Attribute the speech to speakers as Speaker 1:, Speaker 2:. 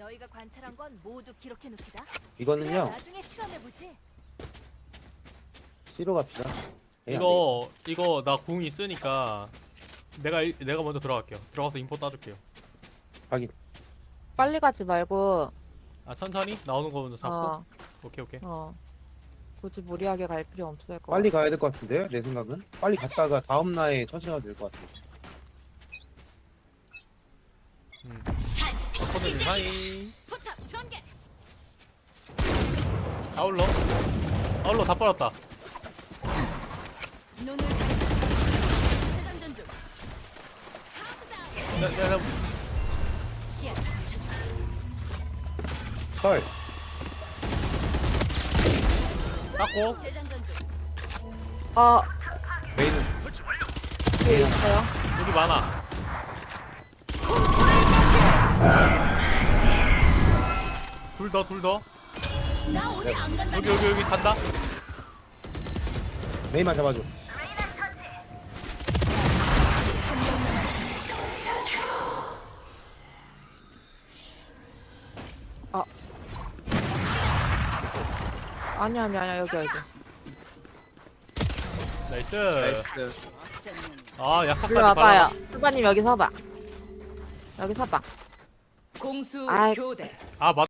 Speaker 1: 너희가 관찰한 건 모두 기록해 놓기다.
Speaker 2: 이거는요
Speaker 1: 나중에 실험해 보지.
Speaker 2: C로 갑시다. A 안
Speaker 3: 이거 나 궁 있으니까 내가 먼저 들어갈게요. 들어가서 인포 따줄게요.
Speaker 2: 되겠다. 확인.
Speaker 4: 빨리 가지 말고,
Speaker 3: 아 천천히 나오는 거 먼저 잡고.
Speaker 4: 어,
Speaker 3: 오케이.
Speaker 4: 굳이 무리하게 갈 필요 없을 것
Speaker 2: 빨리
Speaker 4: 같아.
Speaker 2: 가야 될 것 같은데요? 내 생각은 빨리 갔다가 다음 날에 천천히 가도 될 것 같아요.
Speaker 3: 코드님 하이.
Speaker 1: 포탑 전개.
Speaker 3: 아울러 다 빨았다.
Speaker 1: 눈을 가리켜. 재장전 중. 카운트다운.
Speaker 3: 내가
Speaker 1: 시야.
Speaker 2: 설.
Speaker 3: 닦고.
Speaker 1: 재장전 중.
Speaker 2: 메인은
Speaker 4: 뒤에 있어요.
Speaker 3: 여기 많아. 둘 더.
Speaker 1: 나 어디 안 간다.
Speaker 3: 여기 간다.
Speaker 2: 메인만 잡아줘.
Speaker 4: 아니야, 여기.
Speaker 3: 나이스.
Speaker 5: 나이스.
Speaker 3: 아
Speaker 4: 일로
Speaker 3: 약속까지
Speaker 4: 와봐요. 수바님 여기 서봐. 여기 서봐.
Speaker 1: 공수
Speaker 4: 아이.
Speaker 1: 교대.
Speaker 3: 아 맞.